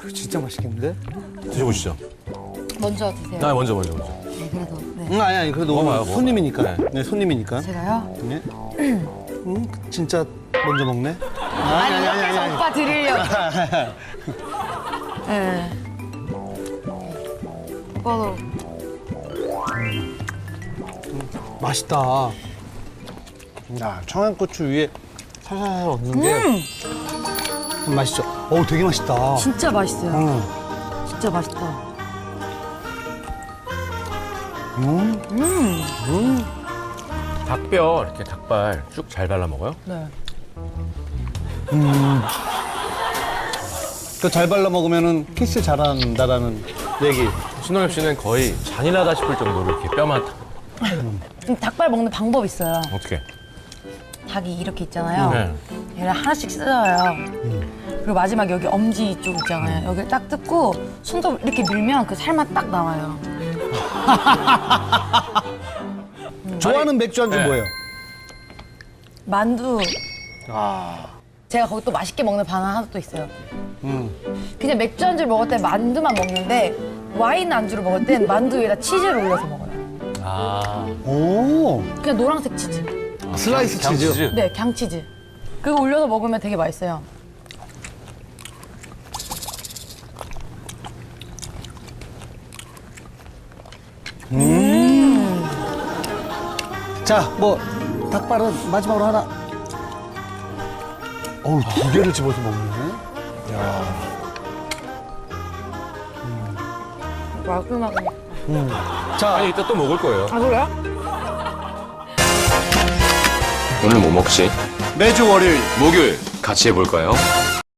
진짜 맛있겠는데? 드셔보시죠. 먼저 드세요. 먼저. 네, 그래도. 네. 아니 그래도 먹어봐요, 손님이니까. 먹어봐요. 네, 손님이니까. 제가요? 네. 진짜 먼저 먹네. 아니, 옆에서 오빠 드리려고. 네. 오빠도. 맛있다. 야, 청양고추 위에 살살 얹는 게 맛있죠? 어우, 되게 맛있다. 진짜 맛있어요. 응. 진짜 맛있다. 닭뼈 이렇게 닭발 쭉 잘 발라 먹어요? 네. 또 잘 발라 먹으면은 키스 잘한다라는 얘기. 신동엽 씨는 거의 잔인하다 싶을 정도로 이렇게 뼈만 닭발 먹는 방법 있어요. 어떻게? 닭이 이렇게 있잖아요. 네. 얘를 하나씩 뜯어요. 그리고 마지막 여기 엄지 쪽 있잖아요. 여기를 딱 뜯고 손톱 이렇게 밀면 그 살만 딱 나와요. 좋아하는 맥주 안주 네. 뭐예요? 만두. 제가 거기 또 맛있게 먹는 바나나 하나 또 있어요. 그냥 맥주 안주를 먹을 때 만두만 먹는데 와인 안주를 먹을 땐 만두 위에다 치즈를 올려서 먹어요. 오, 그냥 노란색 치즈. 슬라이스 치즈. 네, 강치즈. 그거 올려서 먹으면 되게 맛있어요. 자, 뭐 닭발은 마지막으로 하나. 어우, 두 개를 집어서 먹네. 마지막에. 자, 아니 이따 또 먹을 거예요. 아, 그래요? 오늘 뭐 먹지? 매주 월요일 목요일 같이 해볼까요?